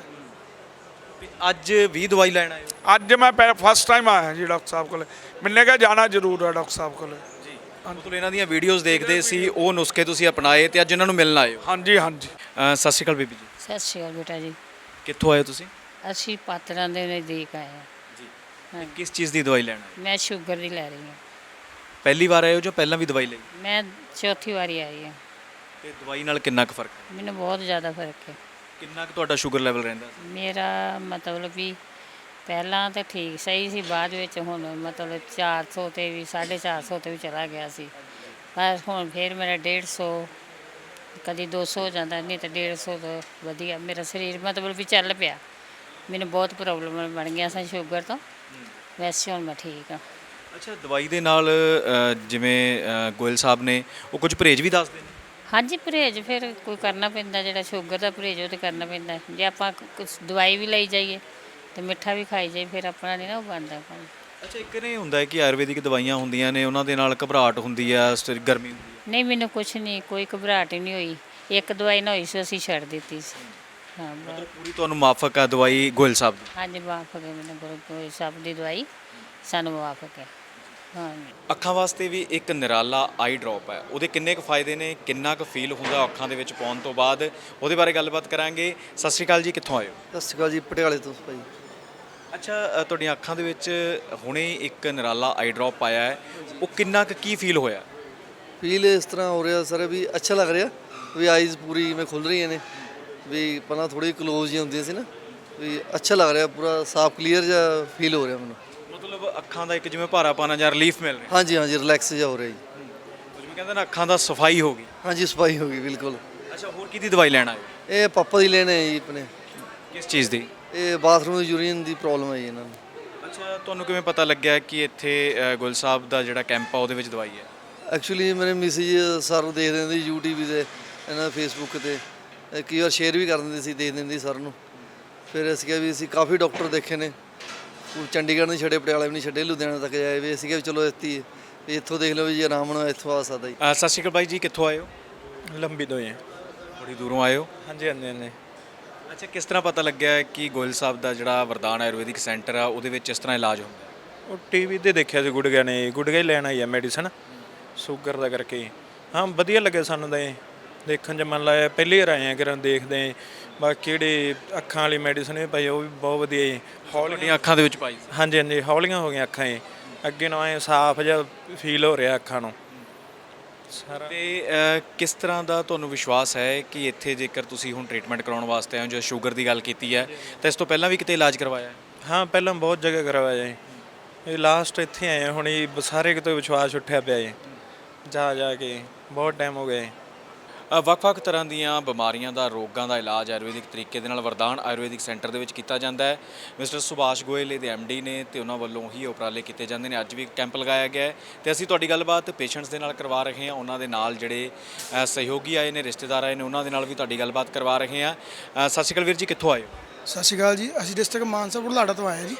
ਅੱਜ ਵੀ ਦਵਾਈ ਲੈਣ ਆਏ ਹੋ? ਅੱਜ ਮੈਂ ਫਸਟ ਟਾਈਮ ਆਇਆ ਜੀ ਡਾਕਟਰ ਸਾਹਿਬ ਕੋਲ। ਮੈਨੇ ਕਿਹਾ ਜਾਣਾ ਜ਼ਰੂਰ ਹੈ ਡਾਕਟਰ ਸਾਹਿਬ ਕੋਲ। ਜੀ, ਮਤਲਬ ਇਹਨਾਂ ਦੀਆਂ ਵੀਡੀਓਜ਼ ਦੇਖਦੇ ਸੀ, ਉਹ ਨੁਸਖੇ ਤੁਸੀਂ ਅਪਣਾਏ ਤੇ ਅੱਜ ਇਹਨਾਂ ਨੂੰ ਮਿਲਣ ਆਏ ਹੋ? ਹਾਂਜੀ ਹਾਂਜੀ। ਅ, ਸਤਿ ਸ਼੍ਰੀ ਅਕਾਲ ਬੀਬੀ ਜੀ। ਸਤਿ ਸ਼੍ਰੀ ਅਕਾਲ ਬੇਟਾ ਜੀ। ਕਿੱਥੋਂ ਆਏ ਹੋ ਤੁਸੀਂ? ਅਸੀਂ ਪਾਤੜਾਂ ਦੇ ਨਜ਼ਦੀਕ ਆਏ ਹਾਂ। ਜੀ, ਹਾਂ, ਕਿਸ ਚੀਜ਼ ਦੀ ਦਵਾਈ ਲੈਣ ਆਏ? ਮੈਂ ਸ਼ੂਗਰ ਦੀ ਲੈ ਰਹੀ ਹਾਂ। ਪਹਿਲੀ ਵਾਰ ਆਏ ਹੋ ਜਾਂ ਪਹਿਲਾਂ ਵੀ ਦਵਾਈ ਲਈ? ਮੈਂ ਚੌਥੀ ਵਾਰੀ ਆਈ ਹਾਂ। ਤੇ ਦਵਾਈ ਨਾਲ ਕਿੰਨਾ ਕੁ ਫਰਕ ਹੈ? ਮੈਨੂੰ ਬਹੁਤ ਜ਼ਿਆਦਾ ਫਰਕ ਹੈ। ਕਿੰਨਾ ਕੁ ਤੁਹਾਡਾ ਸ਼ੂਗਰ ਲੈਵਲ ਰਹਿੰਦਾ ਸੀ? ਮੇਰਾ ਮਤਲਬ ਵੀ ਪਹਿਲਾਂ ਤਾਂ ਠੀਕ ਸਹੀ ਸੀ, ਬਾਅਦ ਵਿੱਚ ਹੁਣ ਮਤਲਬ ਚਾਰ ਸੌ 'ਤੇ ਵੀ ਸਾਢੇ ਚਾਰ ਸੌ 'ਤੇ ਵੀ ਚਲਾ ਗਿਆ ਸੀ। ਪਰ ਹੁਣ ਫਿਰ ਮੇਰਾ ਡੇਢ ਸੌ ਕਦੀ ਦੋ ਸੌ ਹੋ ਜਾਂਦਾ, ਨਹੀਂ ਤਾਂ ਡੇਢ ਸੌ ਤੋਂ ਵਧੀਆ ਮੇਰਾ ਸਰੀਰ ਮਤਲਬ ਵੀ ਚੱਲ ਪਿਆ। ਮੈਨੂੰ ਬਹੁਤ ਪ੍ਰੋਬਲਮ ਬਣ ਗਿਆ ਸੀ ਸ਼ੂਗਰ ਤੋਂ, ਵੈਸੇ ਹੁਣ ਮੈਂ ਠੀਕ ਹਾਂ। ਅੱਛਾ, ਦਵਾਈ ਦੇ ਨਾਲ ਅ, ਜਿਵੇਂ ਅ, ਗੋਇਲ ਸਾਹਿਬ ਨੇ ਉਹ ਕੁਝ ਪਰਹੇਜ਼ ਵੀ ਦੱਸਦੇ ਨੇ? ਹਾਂਜੀ, ਪਰਹੇਜ਼ ਫਿਰ ਕੋਈ ਕਰਨਾ ਪੈਂਦਾ, ਜਿਹੜਾ ਸ਼ੂਗਰ ਦਾ ਪਰਹੇਜ਼ ਉਹ ਤਾਂ ਕਰਨਾ ਪੈਂਦਾ। ਜੇ ਆਪਾਂ ਕੁਛ ਦਵਾਈ ਵੀ ਲਈ ਜਾਈਏ ਤੇ ਮਿੱਠਾ ਵੀ ਖਾਈ ਜਾਈਏ ਫਿਰ ਆਪਣਾ ਨਹੀਂ ਨਾ ਉਹ ਬਣਦਾ ਕੰਮ। ਅੱਛਾ, ਇੱਕ ਨੇ ਹੁੰਦਾ ਹੈ ਕਿ ਆਯੁਰਵੈਦਿਕ ਦਵਾਈਆਂ ਹੁੰਦੀਆਂ ਨੇ, ਉਹਨਾਂ ਦੇ ਨਾਲ ਘਬਰਾਹਟ ਹੁੰਦੀ ਆ, ਸਟਿ- ਗਰਮੀ ਹੁੰਦੀ ਹੈ। ਨਹੀਂ, ਮੈਨੂੰ ਕੁਛ ਨਹੀਂ, ਕੋਈ ਘਬਰਾਹਟ ਹੀ ਨਹੀਂ ਹੋਈ। ਇੱਕ ਦਵਾਈ ਨਾ ਹੋਈ ਸੀ, ਅਸੀਂ ਛੱਡ ਦਿੱਤੀ ਸੀ। ਹਾਂ, ਬਸ। ਮਤਲਬ ਪੂਰੀ ਤੁਹਾਨੂੰ ਮਾਫਕ ਆ ਦਵਾਈ ਗੋਇਲ ਸਾਹਿਬ ਦੀ? ਹਾਂਜੀ, ਮੁਆਫਕ ਹੈ ਮੈਨੂੰ ਗੁਰੂ ਗੋਬਿੰਦ ਸਾਹਿਬ ਦੀ ਦਵਾਈ, ਸਾਨੂੰ ਮੁਆਫਕ ਹੈ। ਹਾਂਜੀ। ਅੱਖਾਂ ਵਾਸਤੇ ਵੀ ਇੱਕ ਨਿਰਾਲਾ ਆਈ ਡ੍ਰੌਪ ਹੈ, ਉਹਦੇ ਕਿੰਨੇ ਕੁ ਫਾਇਦੇ ਨੇ, ਕਿੰਨਾ ਕੁ ਫੀਲ ਹੁੰਦਾ ਅੱਖਾਂ ਦੇ ਵਿੱਚ ਪਾਉਣ ਤੋਂ ਬਾਅਦ, ਉਹਦੇ ਬਾਰੇ ਗੱਲਬਾਤ ਕਰਾਂਗੇ। ਸਤਿ ਸ਼੍ਰੀ ਅਕਾਲ ਜੀ, ਕਿੱਥੋਂ ਆਏ ਹੋ? ਸਤਿ ਸ਼੍ਰੀ ਅਕਾਲ ਜੀ, ਪਟਿਆਲੇ ਤੋਂ ਭਾਈ। ਅੱਛਾ, ਅ, ਤੁਹਾਡੀਆਂ ਅੱਖਾਂ ਦੇ ਵਿੱਚ ਹੁਣੇ ਇੱਕ ਨਿਰਾਲਾ ਆਈ ਡ੍ਰੌਪ ਆਇਆ ਹੈ, ਉਹ ਕਿੰਨਾ ਕੁ ਕੀ ਫੀਲ ਹੋਇਆ? ਫੀਲ ਇਸ ਤਰ੍ਹਾਂ ਹੋ ਰਿਹਾ ਸਰ ਵੀ ਅੱਛਾ ਲੱਗ ਰਿਹਾ ਵੀ ਆਈਜ਼ ਪੂਰੀ ਜਿਵੇਂ ਖੁੱਲ ਰਹੀਆਂ ਨੇ, ਵੀ ਪਹਿਲਾਂ ਥੋੜੀ ਕਲੋਜ਼ ਜਿਹੀ ਹੁੰਦੀਆਂ ਸੀ ਨਾ, ਵੀ ਅੱਛਾ ਲੱਗ ਰਿਹਾ, ਪੂਰਾ ਸਾਫ਼ ਕਲੀਅਰ ਜਿਹਾ ਫੀਲ ਹੋ ਰਿਹਾ ਮੈਨੂੰ। ਮਤਲਬ ਅੱਖਾਂ ਦਾ ਇੱਕ ਜਿਵੇਂ ਭਾਰਾਪਨ ਜਾਂ ਰਿਲੀਫ ਮਿਲ ਰਿਹਾ? ਹਾਂਜੀ ਹਾਂਜੀ, ਰਿਲੈਕਸ ਜਿਹਾ ਹੋ ਰਿਹਾ ਜੀ। ਜਿਵੇਂ ਕਹਿੰਦੇ ਨਾ ਅੱਖਾਂ ਦਾ ਸਫਾਈ ਹੋ ਗਈ। ਹਾਂਜੀ, ਸਫਾਈ ਹੋ ਗਈ ਬਿਲਕੁਲ। ਅੱਛਾ, ਹੋਰ ਕਿਹਦੀ ਦਵਾਈ ਲੈਣ ਆਏ ਹੋ? ਇਹ ਪਾਪਾ ਦੀ ਲੈਣੇ ਹੈ ਜੀ ਆਪਣੇ। ਕਿਸ ਚੀਜ਼ ਦੀ? ਇਹ ਬਾਥਰੂਮ ਯੂਰੀਨ ਦੀ ਪ੍ਰੋਬਲਮ ਹੈ ਜੀ ਇਹਨਾਂ ਨੂੰ। ਅੱਛਾ, ਤੁਹਾਨੂੰ ਕਿਵੇਂ ਪਤਾ ਲੱਗਿਆ ਕਿ ਇੱਥੇ ਅ, ਗੁਲ ਸਾਹਿਬ ਦਾ ਜਿਹੜਾ ਕੈਂਪ ਆ ਉਹਦੇ ਵਿੱਚ ਦਵਾਈ ਹੈ? ਐਕਚੁਅਲੀ ਮੇਰੇ ਮਿਸਿਜ ਸਰ ਦੇਖਦੇ ਹੁੰਦੇ ਸੀ ਯੂਟਿਊਬ 'ਤੇ, ਇਹਨਾਂ ਫੇਸਬੁੱਕ 'ਤੇ, ਕਈ ਵਾਰ ਸ਼ੇਅਰ ਵੀ ਕਰ ਦਿੰਦੇ ਸੀ, ਦੇਖ ਦਿੰਦੀ ਸਰ ਨੂੰ। ਫਿਰ ਅਸੀਂ ਕਿਹਾ ਵੀ ਅਸੀਂ ਕਾਫੀ ਡਾਕਟਰ ਦੇਖੇ ਨੇ, ਚੰਡੀਗੜ੍ਹ ਨਹੀਂ ਛੱਡੇ, ਪਟਿਆਲਾ ਵੀ ਨਹੀਂ ਛੱਡੇ, ਲੁਧਿਆਣਾ ਤੱਕ ਜਾਏ ਵੀ। ਅਸੀਂ ਕਿਹਾ ਵੀ ਚਲੋ ਇੱਥੇ ਵੀ ਇੱਥੋਂ ਦੇਖ ਲਓ ਵੀ ਜੀ ਆਰਾਮ ਨਾਲ ਇੱਥੋਂ ਆ ਸਕਦਾ ਜੀ। ਅ, ਸਤਿ ਸ਼੍ਰੀ ਅਕਾਲ ਬਾਈ ਜੀ, ਕਿੱਥੋਂ ਆਏ ਹੋ? ਲੰਬੀ ਤੋਂ ਹੀ ਹੈ। ਬੜੀ ਦੂਰੋਂ ਆਏ ਹੋ? ਹਾਂਜੀ ਹਾਂਜੀ ਹਾਂਜੀ। ਅੱਛਾ, ਕਿਸ ਤਰ੍ਹਾਂ ਪਤਾ ਲੱਗਿਆ ਕਿ ਗੋਇਲ ਸਾਹਿਬ ਦਾ ਜਿਹੜਾ ਵਰਦਾਨ ਆਯੁਰਵੈਦਿਕ ਸੈਂਟਰ ਆ ਉਹਦੇ ਵਿੱਚ ਇਸ ਤਰ੍ਹਾਂ ਇਲਾਜ ਹੁੰਦਾ? ਉਹ ਟੀਵੀ ਤੇ ਦੇਖਿਆ ਸੀ, ਗੁੜਗਿਆ ਨੇ ਗੁੜਗਿਆ ਹੀ ਲੈਣ ਆਈ ਆ ਮੈਡੀਸਨ ਸ਼ੂਗਰ ਦਾ ਕਰਕੇ। ਹਾਂ, ਵਧੀਆ ਲੱਗਿਆ ਸਾਨੂੰ ਤਾਂ ਇਹ ਦੇਖਣ 'ਚ, ਮਨ ਲਾਇਆ ਪਹਿਲੀ ਵਾਰ ਆਏ ਆ ਕਿ ਦੇਖਦੇ। ਬਾਕੀ ਜਿਹੜੀ ਅੱਖਾਂ ਵਾਲੀ ਮੈਡੀਸਨ ਵੀ ਪਾਈ ਉਹ ਵੀ ਬਹੁਤ ਵਧੀਆ ਜੀ। ਹੌਲੀਆਂ ਅੱਖਾਂ ਦੇ ਵਿੱਚ ਪਾਈ? ਹਾਂਜੀ ਹਾਂਜੀ, ਹੌਲੀਆਂ ਹੋ ਗਈਆਂ ਅੱਖਾਂ ਇਹ, ਅੱਗੇ ਨੂੰ ਐਂ ਸਾਫ਼ ਜਿਹਾ ਫੀਲ ਹੋ ਰਿਹਾ ਅੱਖਾਂ ਨੂੰ, ਸਾਰਾ ਤੇ ਅ, ਕਿਸ ਤਰ੍ਹਾਂ ਦਾ ਤੁਹਾਨੂੰ ਵਿਸ਼ਵਾਸ ਹੈ ਕਿ ਇੱਥੇ ਜੇਕਰ ਤੁਸੀਂ ਹੁਣ ਟ੍ਰੀਟਮੈਂਟ ਕਰਾਉਣ ਵਾਸਤੇ ਆਏ ਹੋ, ਜੋ ਸ਼ੂਗਰ ਦੀ ਗੱਲ ਕੀਤੀ ਹੈ ਤਾਂ ਇਸ ਤੋਂ ਪਹਿਲਾਂ ਵੀ ਕਿਤੇ ਇਲਾਜ ਕਰਵਾਇਆ ਹੈ? ਹਾਂ ਪਹਿਲਾਂ ਬਹੁਤ ਜਗ੍ਹਾ ਕਰਵਾਇਆ ਜੀ, ਇਹ ਲਾਸਟ ਇੱਥੇ ਆਏ ਹਾਂ, ਹੁਣ ਇਹ ਸਾਰੇ ਕਿਤੇ ਵਿਸ਼ਵਾਸ ਉੱਠਿਆ ਪਿਆ ਜੀ, ਜਾ ਜਾ ਕੇ ਬਹੁਤ ਟਾਈਮ ਹੋ ਗਿਆ। ਅ, ਵੱਖ-ਵੱਖ ਤਰ੍ਹਾਂ ਦੀਆਂ ਬਿਮਾਰੀਆਂ ਦਾ, ਰੋਗਾਂ ਦਾ ਇਲਾਜ ਆਯੁਰਵੈਦਿਕ ਤਰੀਕੇ ਦੇ ਨਾਲ ਵਰਦਾਨ ਆਯੁਰਵੈਦਿਕ ਸੈਂਟਰ ਦੇ ਵਿੱਚ ਕੀਤਾ ਜਾਂਦਾ ਹੈ। ਮਿਸਟਰ ਸੁਭਾਸ਼ ਗੋਇਲ ਇਹਦੇ ਐਮ ਡੀ ਨੇ ਤੇ ਉਹਨਾਂ ਵੱਲੋਂ ਹੀ ਉਪਰਾਲੇ ਕੀਤੇ ਜਾਂਦੇ ਨੇ। ਅੱਜ ਵੀ ਕੈਂਪ ਲਗਾਇਆ ਗਿਆ ਹੈ ਤੇ ਅਸੀਂ ਤੁਹਾਡੀ ਗੱਲਬਾਤ ਪੇਸ਼ੈਂਟਸ ਦੇ ਨਾਲ ਕਰਵਾ ਰਹੇ ਹਾਂ, ਉਹਨਾਂ ਦੇ ਨਾਲ ਜਿਹੜੇ ਅ, ਸਹਿਯੋਗੀ ਆਏ ਨੇ, ਰਿਸ਼ਤੇਦਾਰ ਆਏ ਨੇ, ਉਹਨਾਂ ਦੇ ਨਾਲ ਵੀ ਤੁਹਾਡੀ ਗੱਲਬਾਤ ਕਰਵਾ ਰਹੇ ਹਾਂ। ਅ, ਸਤਿ ਸ਼੍ਰੀ ਅਕਾਲ ਵੀਰ ਜੀ, ਕਿੱਥੋਂ ਆਏ ਹੋ? ਸਤਿ ਸ਼੍ਰੀ ਅਕਾਲ ਜੀ, ਅਸੀਂ ਡਿਸਟ੍ਰਿਕਟ ਮਾਨਸਾ ਬੁਢਲਾਡਾ ਤੋਂ ਆਏ ਹਾਂ ਜੀ।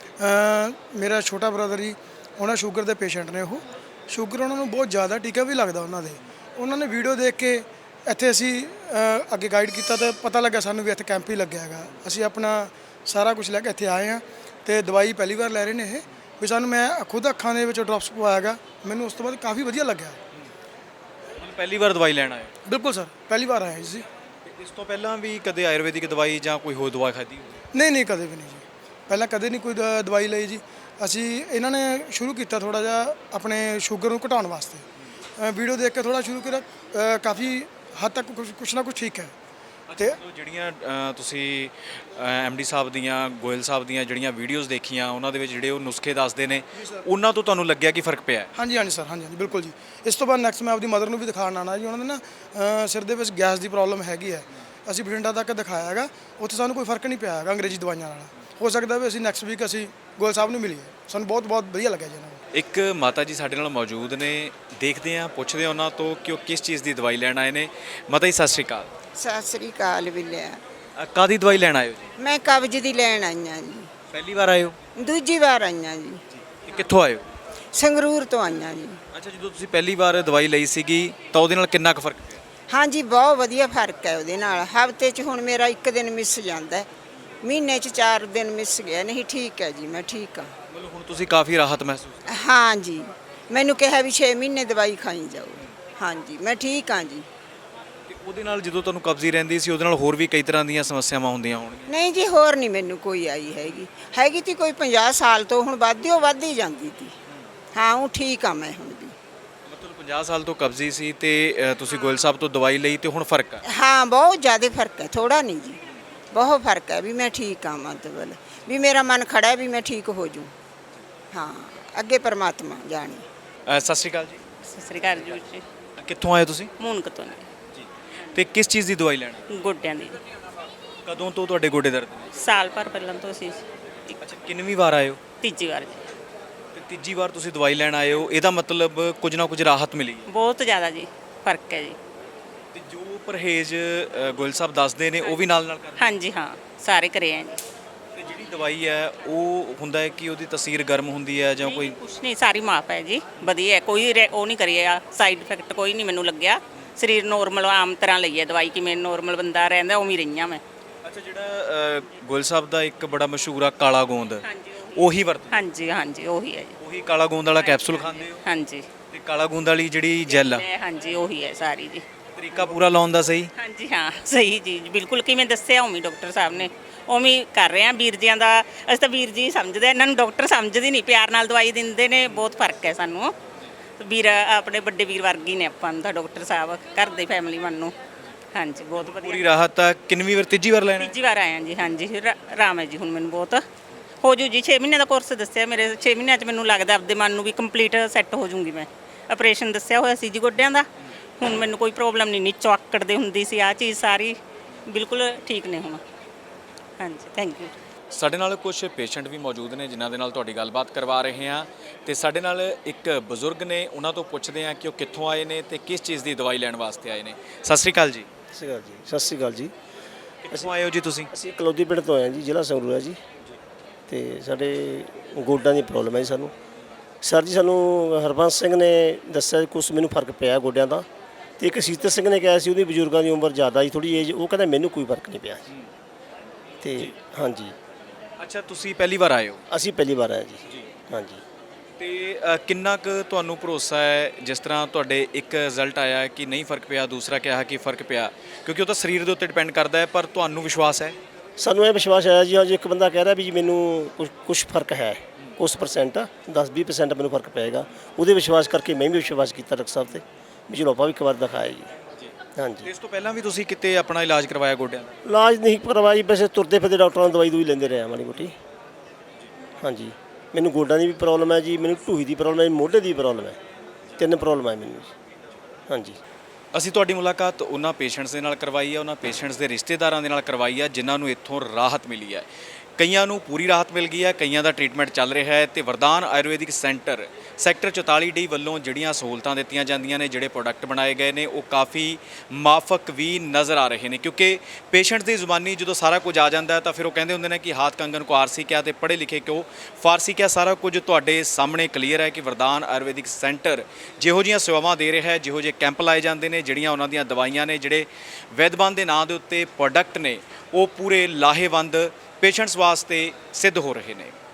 ਅ, ਮੇਰਾ ਛੋਟਾ ਬ੍ਰਦਰ ਜੀ, ਉਹਨਾਂ ਸ਼ੂਗਰ ਦੇ ਪੇਸ਼ੈਂਟ ਨੇ। ਉਹ ਸ਼ੂਗਰ ਉਹਨਾਂ ਨੂੰ ਬਹੁਤ ਜ਼ਿਆਦਾ, ਟੀਕਾ ਵੀ ਲੱਗਦਾ ਉਹਨਾਂ ਦੇ। ਉਹਨਾਂ ਨੇ ਵੀਡੀਓ ਦੇਖ ਕੇ ਇੱਥੇ ਅਸੀਂ ਅ, ਅੱਗੇ ਗਾਈਡ ਕੀਤਾ ਤੇ ਪਤਾ ਲੱਗਾ ਸਾਨੂੰ ਵੀ ਇੱਥੇ ਕੈਂਪ ਹੀ ਲੱਗਿਆ ਹੈਗਾ। ਅਸੀਂ ਆਪਣਾ ਸਾਰਾ ਕੁਝ ਲੈ ਕੇ ਇੱਥੇ ਆਏ ਹਾਂ ਤੇ ਦਵਾਈ ਪਹਿਲੀ ਵਾਰ ਲੈ ਰਹੇ ਨੇ ਇਹ ਵੀ। ਸਾਨੂੰ ਮੈਂ ਖੁਦ ਅੱਖਾਂ ਦੇ ਵਿੱਚ ਡ੍ਰੌਪਸ ਪਵਾਇਆ ਹੈਗਾ, ਮੈਨੂੰ ਉਸ ਤੋਂ ਬਾਅਦ ਕਾਫੀ ਵਧੀਆ ਲੱਗਿਆ। ਪਹਿਲੀ ਵਾਰ ਦਵਾਈ ਲੈਣ ਆਏ ਹੋ? ਬਿਲਕੁਲ ਸਰ, ਪਹਿਲੀ ਵਾਰ ਆਏ ਜੀ। ਇਸ ਤੋਂ ਪਹਿਲਾਂ ਵੀ ਕਦੇ ਆਯੁਰਵੈਦਿਕ ਦਵਾਈ ਜਾਂ ਕੋਈ ਹੋਰ ਦਵਾਈ ਖਾਧੀ? ਨਹੀਂ ਨਹੀਂ, ਕਦੇ ਵੀ ਨਹੀਂ ਜੀ, ਪਹਿਲਾਂ ਕਦੇ ਨਹੀਂ ਕੋਈ ਦ- ਦਵਾਈ ਲਈ ਜੀ। ਅਸੀਂ ਇਹਨਾਂ ਨੇ ਸ਼ੁਰੂ ਕੀਤਾ ਥੋੜਾ ਜਿਹਾ ਆਪਣੇ ਸ਼ੂਗਰ ਨੂੰ ਘਟਾਉਣ ਵਾਸਤੇ, ਵੀਡੀਓ ਦੇਖ ਕੇ ਥੋੜਾ ਸ਼ੁਰੂ ਕੀਤਾ, ਅ, ਕਾਫੀ ਹੱਦ ਤੱਕ ਕੁਛ ਕੁਛ ਨਾ ਕੁਛ ਠੀਕ ਹੈ। ਤੇ ਮਤਲਬ ਜਿਹੜੀਆਂ ਅ, ਤੁਸੀਂ ਐਮ ਡੀ ਸਾਹਿਬ ਦੀਆਂ, ਗੋਇਲ ਸਾਹਿਬ ਦੀਆਂ ਜਿਹੜੀਆਂ ਵੀਡੀਓਜ਼ ਦੇਖੀਆਂ, ਉਹਨਾਂ ਦੇ ਵਿੱਚ ਜਿਹੜੇ ਉਹ ਨੁਸਖੇ ਦੱਸਦੇ ਨੇ, ਉਹਨਾਂ ਤੋਂ ਤੁਹਾਨੂੰ ਲੱਗਿਆ ਕਿ ਫਰਕ ਪਿਆ ਹੈ? ਹਾਂਜੀ ਹਾਂਜੀ ਸਰ, ਹਾਂਜੀ ਹਾਂਜੀ ਬਿਲਕੁਲ ਜੀ। ਇਸ ਤੋਂ ਬਾਅਦ ਨੈਕਸਟ ਮੈਂ ਆਪਦੀ ਮਦਰ ਨੂੰ ਵੀ ਦਿਖਾਉਣ ਆਉਣਾ ਜੀ। ਉਹਨਾਂ ਦੇ ਨਾ ਅ, ਸਿਰ ਦੇ ਵਿੱਚ ਗੈਸ ਦੀ ਪ੍ਰੋਬਲਮ ਹੈਗੀ ਹੈ। ਅਸੀਂ ਬਠਿੰਡਾ ਤੱਕ ਦਿਖਾਇਆ ਹੈਗਾ, ਉੱਥੇ ਸਾਨੂੰ ਕੋਈ ਫਰਕ ਨਹੀਂ ਪਿਆ ਹੈਗਾ ਅੰਗਰੇਜ਼ੀ ਦਵਾਈਆਂ ਨਾਲ। ਹੋ ਸਕਦਾ ਵੀ ਅਸੀਂ ਨੈਕਸਟ ਵੀਕ ਅਸੀਂ ਗੋਇਲ ਸਾਹਿਬ ਨੂੰ ਮਿਲੀਏ, ਸਾਨੂੰ ਬਹੁਤ ਬਹੁਤ ਵਧੀਆ ਲੱਗਿਆ ਜੀ ਉਹਨਾਂ ਨੂੰ। ਇੱਕ ਮਾਤਾ ਜੀ ਸਾਡੇ ਨਾਲ ਮੌਜੂਦ ਨੇ, ਦੇਖਦੇ ਹਾਂ, ਪੁੱਛਦੇ ਹਾਂ ਉਹਨਾਂ ਤੋਂ ਕਿ ਉਹ ਕਿਸ ਚੀਜ਼ ਦੀ ਦਵਾਈ ਲੈਣ ਆਏ ਨੇ। ਮਾਤਾ ਜੀ ਸਤਿ ਸ਼੍ਰੀ ਅਕਾਲ। ਸਤਿ ਸ੍ਰੀ ਅਕਾਲ ਬਿੱਲਿਆ। ਅ, ਕਾਹਦੀ ਦਵਾਈ ਲੈਣ ਆਏ ਹੋ ਜੀ? ਮੈਂ ਕਬਜ਼ ਦੀ ਲੈਣ ਆਈਆਂ ਜੀ, ਪਹਿਲੀ ਵਾਰ ਆਏ ਹੋ? ਦੂਜੀ ਵਾਰ ਆਈਆਂ ਜੀ। ਇਹ ਕਿੱਥੋਂ ਆਏ ਹੋ? ਸੰਗਰੂਰ ਤੋਂ ਆਈਆਂ ਜੀ। ਅੱਛਾ, ਜਦੋਂ ਤੁਸੀਂ ਪਹਿਲੀ ਵਾਰ ਦਵਾਈ ਲਈ ਸੀਗੀ ਤਾਂ ਉਹਦੇ ਨਾਲ ਕਿੰਨਾ ਕੁ ਫਰਕ ਪਿਆ? ਹਾਂਜੀ, ਬਹੁਤ ਵਧੀਆ ਫਰਕ ਹੈ ਉਹਦੇ ਨਾਲ। ਹਫ਼ਤੇ 'ਚ ਹੁਣ ਮੇਰਾ ਇੱਕ ਦਿਨ ਮਿਸ ਜਾਂਦਾ ਹੈ, ਮਹੀਨੇ 'ਚ ਚਾਰ ਦਿਨ ਮਿਸ ਗਿਆ। ਨਹੀਂ ਠੀਕ ਹੈ ਜੀ, ਮੈਂ ਠੀਕ ਹਾਂ। ਮਤਲਬ ਹੁਣ ਤੁਸੀਂ ਕਾਫੀ ਰਾਹਤ ਮਹਿਸੂਸ? ਹਾਂ ਜੀ, ਮੈਨੂੰ ਕਿਹਾ ਵੀ ਛੇ ਮਹੀਨੇ ਦਵਾਈ ਖਾਈ ਜਾਓ। ਹਾਂਜੀ, ਮੈਂ ਠੀਕ ਹਾਂ ਜੀ। ਤੇ ਉਹਦੇ ਨਾਲ ਜਦੋਂ ਤੁਹਾਨੂੰ ਕਬਜ਼ੀ ਰਹਿੰਦੀ ਸੀ, ਉਹਦੇ ਨਾਲ ਹੋਰ ਵੀ ਕਈ ਤਰ੍ਹਾਂ ਦੀਆਂ ਸਮੱਸਿਆਵਾਂ ਹੁੰਦੀਆਂ ਹੋਣਗੀਆਂ? ਨਹੀਂ ਜੀ, ਹੋਰ ਨਹੀਂ ਮੈਨੂੰ ਕੋਈ ਆਈ ਹੈਗੀ। ਹੈਗੀ ਤੀ ਕੋਈ ਪੰਜਾਹ ਸਾਲ ਤੋਂ, ਹੁਣ ਵੱਧਦੀ ਉਹ ਵੱਧ ਹੀ ਜਾਂਦੀ ਤੀ। ਹਾਂ, ਉਹ ਠੀਕ ਆ ਮੈਂ ਹੁਣ ਵੀ। ਮਤਲਬ ਪੰਜਾਹ ਸਾਲ ਤੋਂ ਕਬਜ਼ੀ ਸੀ ਤੇ ਅ, ਤੁਸੀਂ ਗੋਇਲ ਸਾਹਿਬ ਤੋਂ ਦਵਾਈ ਲਈ ਤੇ ਹੁਣ ਫਰਕ ਆ? ਹਾਂ, ਬਹੁਤ ਜ਼ਿਆਦਾ ਫਰਕ ਹੈ, ਥੋੜਾ ਨਹੀਂ ਜੀ, ਬਹੁਤ ਫਰਕ ਹੈ ਵੀ ਮੈਂ ਠੀਕ ਹਾਂ। ਮਤਲਬ ਵੀ ਮੇਰਾ ਮਨ ਖੜਾ ਹੈ ਵੀ ਮੈਂ ਠੀਕ ਹੋ ਜੂ। ਹਾਂ, ਅੱਗੇ ਪਰਮਾਤਮਾ ਜਾਣੇ। ਅ, ਸਤਿ ਸ਼੍ਰੀ ਅਕਾਲ ਜੀ। ਸਤਿ ਸ੍ਰੀ ਅਕਾਲ ਜੀ। ਅ, ਕਿੱਥੋਂ ਆਏ ਤੁਸੀਂ? ਮੂਨਕ ਤੋਂ ਨੇ, ਤੇ ਕਿਸ ਚੀਜ਼ ਦੀ ਦਵਾਈ ਲੈਣੀ? ਗੋਡਿਆਂ ਦੀ। ਕਦੋਂ ਤੋਂ ਤੁਹਾਡੇ ਗੋਡੇ ਦਰਦ ਨੇ? ਸਾਲ ਭਰ ਪਹਿਲਾਂ ਤੋਂ ਅਸੀਂ ਅੱਛਾ, ਕਿੰਨਵੀਂ ਵਾਰ ਆਏ ਹੋ? ਤੀਜੀ ਵਾਰ ਜੀ। ਤੇ ਤੀਜੀ ਵਾਰ ਤੁਸੀਂ ਦਵਾਈ ਲੈਣ ਆਏ ਹੋ, ਇਹਦਾ ਮਤਲਬ ਕੁਝ ਨਾ ਕੁਝ ਰਾਹਤ ਮਿਲੀ ਹੈ? ਬਹੁਤ ਜ਼ਿਆਦਾ ਜੀ ਫਰਕ ਹੈ ਜੀ। ਤੇ ਜੋ ਪਰਹੇਜ਼ ਅ, ਗੋਇਲ ਸਾਹਿਬ ਦੱਸਦੇ ਨੇ ਉਹ ਵੀ ਨਾਲ ਨਾਲ ਕਰਦੇ? ਹਾਂਜੀ ਹਾਂ, ਸਾਰੇ ਕਰੇ ਆ ਜੀ। ਤੇ ਜਿਹੜੀ ਦਵਾਈ ਹੈ ਉਹ ਹੁੰਦਾ ਹੈ ਕਿ ਉਹਦੀ ਤਸੀਰ ਗਰਮ ਹੁੰਦੀ ਹੈ ਜਾਂ ਕੋਈ? ਕੁਛ ਨਹੀਂ, ਸਾਰੀ ਮਾਫ ਹੈ ਜੀ, ਵਧੀਆ ਹੈ, ਕੋਈ ਰੇ- ਉਹ ਨਹੀਂ ਕਰੀਆ ਸਾਈਡ ਇਫੈਕਟ ਕੋਈ ਨਹੀਂ ਮੈਨੂੰ ਲੱਗਿਆ। ਸਰੀਰ ਨੋਰਮਲ ਆਮ ਤਰ੍ਹਾਂ ਲਈ ਹੈ ਦਵਾਈ, ਕਿਵੇਂ ਨੋਰਮਲ ਬੰਦਾ ਰਹਿੰਦਾ ਉਵੇਂ ਹੀ ਰਹੀਆਂ ਮੈਂ। ਅੱਛਾ, ਜਿਹੜਾ ਅ, ਗੋਇਲ ਸਾਹਿਬ ਦਾ ਇੱਕ ਬੜਾ ਮਸ਼ਹੂਰ ਆ ਕਾਲਾ ਗੋਂਦ, ਹਾਂਜੀ ਉਹੀ ਵਰਤ? ਹਾਂਜੀ ਹਾਂਜੀ, ਉਹੀ ਹੈ ਜੀ। ਉਹੀ ਕਾਲਾ ਗੋਂਦ ਵਾਲਾ ਕੈਪਸੂਲ ਖਾਂਦੇ ਹੋ? ਹਾਂਜੀ ਤੇ ਕਾਲਾ ਗੋਂਦ ਵਾਲੀ ਜਿਹੜੀ ਜੈਲ ਆ, ਇਹ ਹਾਂਜੀ ਉਹੀ ਹੈ ਸਾਰੀ ਜੀ। ਤਰੀਕਾ ਪੂਰਾ ਲਾਉਣ ਦਾ ਸਹੀ? ਹਾਂਜੀ ਹਾਂ, ਸਹੀ ਜੀ, ਬਿਲਕੁਲ ਕਿਵੇਂ ਦੱਸਿਆ ਉਵੇਂ ਡਾਕਟਰ ਸਾਹਿਬ ਨੇ ਉਵੇਂ ਹੀ ਕਰ ਰਹੇ ਆ। ਵੀਰ ਜੀਆਂ ਦਾ ਅਸੀਂ ਤਾਂ ਵੀਰ ਜੀ ਸਮਝਦੇ ਆ, ਇਹਨਾਂ ਨੂੰ ਡਾਕਟਰ ਸਮਝਦੇ ਨਹੀਂ, ਪਿਆਰ ਨਾਲ ਦਵਾਈ ਦਿੰਦੇ ਨੇ। ਬਹੁਤ ਫਰਕ ਹੈ ਸਾਨੂੰ। ਵੀਰ ਆਪਣੇ ਵੱਡੇ ਵੀਰ ਵਰਗੀ ਨੇ ਆਪਾਂ ਨੂੰ ਤਾਂ ਡਾਕਟਰ ਸਾਹਿਬ, ਘਰ ਦੇ ਫੈਮਿਲੀ ਮੰਨੂ। ਹਾਂਜੀ, ਬਹੁਤ ਵਧੀਆ। ਪੂਰੀ ਰਾਹਤ ਆ। ਕਿੰਨਵੀਂ ਵਾਰ? ਤੀਜੀ ਵਾਰ ਲੈਣਾ? ਤੀਜੀ ਵਾਰ ਆਇਆ ਜੀ। ਹਾਂਜੀ, ਰਾ- ਆਰਾਮ ਹੈ ਜੀ ਹੁਣ ਮੈਨੂੰ ਬਹੁਤ। ਹੋ ਜੂ ਜੀ, ਛੇ ਮਹੀਨੇ ਦਾ ਕੋਰਸ ਦੱਸਿਆ ਮੇਰੇ। ਛੇ ਮਹੀਨਿਆਂ 'ਚ ਮੈਨੂੰ ਲੱਗਦਾ ਆਪਦੇ ਮਨ ਨੂੰ ਵੀ ਕੰਪਲੀਟ ਸੈੱਟ ਹੋ ਜੂੰਗੀ ਮੈਂ। ਆਪਰੇਸ਼ਨ ਦੱਸਿਆ ਹੋਇਆ ਸੀ ਜੀ ਗੋਡਿਆਂ ਦਾ, ਹੁਣ ਮੈਨੂੰ ਕੋਈ ਪ੍ਰੋਬਲਮ ਨਹੀਂ। ਨੀਚੋਂ ਆਕੜਦੇ ਹੁੰਦੀ ਸੀ, ਆਹ ਚੀਜ਼ ਸਾਰੀ ਬਿਲਕੁਲ ਠੀਕ ਨੇ ਹੁਣ। ਹਾਂਜੀ, ਥੈਂਕ ਯੂ। ਸਾਡੇ ਨਾਲ ਕੁਝ ਪੇਸ਼ੈਂਟ ਵੀ ਮੌਜੂਦ ਨੇ ਜਿਨ੍ਹਾਂ ਦੇ ਨਾਲ ਤੁਹਾਡੀ ਗੱਲਬਾਤ ਕਰਵਾ ਰਹੇ ਹਾਂ ਤੇ ਸਾਡੇ ਨਾਲ ਇੱਕ ਬਜ਼ੁਰਗ ਨੇ, ਉਹਨਾਂ ਤੋਂ ਪੁੱਛਦੇ ਹਾਂ ਕਿ ਉਹ ਕਿੱਥੋਂ ਆਏ ਨੇ ਤੇ ਕਿਸ ਚੀਜ਼ ਦੀ ਦਵਾਈ ਲੈਣ ਵਾਸਤੇ ਆਏ ਨੇ। ਸਤਿ ਸ਼੍ਰੀ ਅਕਾਲ ਜੀ। ਸਤਿ ਸ਼੍ਰੀ ਅਕਾਲ ਜੀ। ਸਤਿ ਸ਼੍ਰੀ ਅਕਾਲ ਜੀ। ਕਿੱਥੋਂ ਆਏ ਹੋ ਜੀ ਤੁਸੀਂ? ਅਸੀਂ ਕਲੌਦੀ ਪਿੰਡ ਤੋਂ ਆਏ ਹਾਂ ਜੀ, ਜ਼ਿਲ੍ਹਾ ਸੰਗਰੂਰ ਹੈ ਜੀ। ਤੇ ਸਾਡੇ ਗੋਡਾਂ ਦੀ ਪ੍ਰੋਬਲਮ ਹੈ ਜੀ ਸਾਨੂੰ। ਸਰ ਜੀ, ਸਾਨੂੰ ਹਰਬੰਸ ਸਿੰਘ ਨੇ ਦੱਸਿਆ ਕੁਛ ਮੈਨੂੰ ਫਰਕ ਪਿਆ ਗੋਡਿਆਂ ਦਾ, ਤੇ ਇੱਕ ਸੀਤਰ ਸਿੰਘ ਨੇ ਕਿਹਾ ਸੀ ਉਹਦੀ ਬਜ਼ੁਰਗਾਂ ਦੀ ਉਮਰ ਜ਼ਿਆਦਾ ਜੀ, ਥੋੜੀ ਏਜ, ਉਹ ਕਹਿੰਦਾ ਮੈਨੂੰ ਕੋਈ ਫਰਕ ਨਹੀਂ ਪਿਆ ਜੀ। ਤੇ ਹਾਂਜੀ। ਅੱਛਾ, ਤੁਸੀਂ ਪਹਿਲੀ ਵਾਰ ਆਏ ਹੋ? ਅਸੀਂ ਪਹਿਲੀ ਵਾਰ ਆਏ ਜੀ। ਹਾਂਜੀ। ਤੇ ਅ, ਕਿੰਨਾ ਕੁ ਤੁਹਾਨੂੰ ਭਰੋਸਾ ਹੈ, ਜਿਸ ਤਰ੍ਹਾਂ ਤੁਹਾਡੇ ਇੱਕ ਰਿਜ਼ਲਟ ਆਇਆ ਕਿ ਨਹੀਂ ਫਰਕ ਪਿਆ, ਦੂਸਰਾ ਕਿਹਾ ਕਿ ਫਰਕ ਪਿਆ, ਕਿਉਂਕਿ ਉਹ ਤਾਂ ਸਰੀਰ ਦੇ ਉੱਤੇ ਡਿਪੈਂਡ ਕਰਦਾ ਹੈ, ਪਰ ਤੁਹਾਨੂੰ ਵਿਸ਼ਵਾਸ ਹੈ? ਸਾਨੂੰ ਇਹ ਵਿਸ਼ਵਾਸ ਆਇਆ ਜੀ, ਅੱਜ ਇੱਕ ਬੰਦਾ ਕਹਿ ਰਿਹਾ ਵੀ ਜੀ ਮੈਨੂੰ ਕੁਛ ਕੁਛ ਫਰਕ ਹੈ, ਕੁਛ ਪਰਸੈਂਟ, ਦਸ ਵੀਹ ਪਰਸੈਂਟ ਮੈਨੂੰ ਫਰਕ ਪਏਗਾ। ਉਹਦੇ ਵਿਸ਼ਵਾਸ ਕਰਕੇ ਮੈਂ ਵੀ ਵਿਸ਼ਵਾਸ ਕੀਤਾ ਡਾਕਟਰ ਸਾਹਿਬ 'ਤੇ ਵੀ ਚਲੋ ਆਪਾਂ ਵੀ ਇੱਕ ਵਾਰ ਦਿਖਾਇਆ ਜੀ। ਹਾਂਜੀ, ਇਸ ਤੋਂ ਪਹਿਲਾਂ ਵੀ ਤੁਸੀਂ ਕਿਤੇ ਆਪਣਾ ਇਲਾਜ ਕਰਵਾਇਆ ਗੋਡਿਆਂ ਦਾ? ਇਲਾਜ ਨਹੀਂ ਕਰਵਾਈ, ਵੈਸੇ ਤੁਰਦੇ ਫਿਰਦੇ ਡਾਕਟਰਾਂ ਨੂੰ ਦਵਾਈ ਦੂਈ ਲੈਂਦੇ ਰਹੇ ਮਾੜੀ ਮੋਟੀ। ਹਾਂਜੀ, ਮੈਨੂੰ ਗੋਡਾਂ ਦੀ ਵੀ ਪ੍ਰੋਬਲਮ ਹੈ ਜੀ, ਮੈਨੂੰ ਢੂਹੀ ਦੀ ਪ੍ਰੋਬਲਮ ਹੈ, ਮੋਢੇ ਦੀ ਪ੍ਰੋਬਲਮ ਹੈ, ਤਿੰਨ ਪ੍ਰੋਬਲਮ ਹੈ ਮੈਨੂੰ ਜੀ। ਹਾਂਜੀ, ਅਸੀਂ ਤੁਹਾਡੀ ਮੁਲਾਕਾਤ ਉਹਨਾਂ ਪੇਸ਼ੈਂਟਸ ਦੇ ਨਾਲ ਕਰਵਾਈ ਹੈ, ਉਹਨਾਂ ਪੇਸ਼ੈਂਟਸ ਦੇ ਰਿਸ਼ਤੇਦਾਰਾਂ ਦੇ ਨਾਲ ਕਰਵਾਈ ਹੈ ਜਿਨ੍ਹਾਂ ਨੂੰ ਇੱਥੋਂ ਰਾਹਤ ਮਿਲੀ ਹੈ। ਕਈਆਂ ਨੂੰ ਪੂਰੀ ਰਾਹਤ ਮਿਲ ਗਈ ਹੈ, ਕਈਆਂ ਦਾ ਟ੍ਰੀਟਮੈਂਟ ਚੱਲ ਰਿਹਾ ਹੈ ਤੇ ਵਰਦਾਨ ਆਯੁਰਵੈਦਿਕ ਸੈਂਟਰ ਸੈਕਟਰ ਚੁਤਾਲੀ ਡੀ ਵੱਲੋਂ ਜਿਹੜੀਆਂ ਸਹੂਲਤਾਂ ਦਿੱਤੀਆਂ ਜਾਂਦੀਆਂ ਨੇ, ਜਿਹੜੇ ਪ੍ਰੋਡਕਟ ਬਣਾਏ ਗਏ ਨੇ, ਉਹ ਕਾਫੀ ਮਾਫਕ ਵੀ ਨਜ਼ਰ ਆ ਰਹੇ ਨੇ। ਕਿਉਂਕਿ ਪੇਸ਼ੈਂਟ ਦੀ ਜ਼ੁਬਾਨੀ ਜਦੋਂ ਸਾਰਾ ਕੁਝ ਆ ਜਾਂਦਾ ਹੈ ਤਾਂ ਫਿਰ ਉਹ ਕਹਿੰਦੇ ਹੁੰਦੇ ਨੇ ਕਿ ਹਾਥ ਕੰਗਨ ਕੋ ਆਰਸੀ ਕਿਆ ਤੇ ਪੜ੍ਹੇ ਲਿਖੇ ਕਿਉਂ ਫਾਰਸੀ ਕਿਆ। ਸਾਰਾ ਕੁਝ ਤੁਹਾਡੇ ਸਾਹਮਣੇ ਕਲੀਅਰ ਹੈ ਕਿ ਵਰਦਾਨ ਆਯੁਰਵੈਦਿਕ ਸੈਂਟਰ ਜਿਹੋ ਜਿਹੀਆਂ ਸੇਵਾਵਾਂ ਦੇ ਰਿਹਾ ਹੈ, ਜਿਹੋ ਜਿਹੇ ਕੈਂਪ ਲਾਏ ਜਾਂਦੇ ਨੇ, ਜਿਹੜੀਆਂ ਉਹਨਾਂ ਦੀਆਂ ਦਵਾਈਆਂ ਨੇ, ਜਿਹੜੇ ਵੈਦਵਾਨ ਦੇ ਨਾਂ ਦੇ ਉੱਤੇ ਪ੍ਰੋਡਕਟ ਨੇ, ਉਹ ਪੂਰੇ ਲਾਹੇਵੰਦ ਪੇਸ਼ੈਂਟਸ ਵਾਸਤੇ ਸਿੱਧ ਹੋ ਰਹੇ ਨੇ।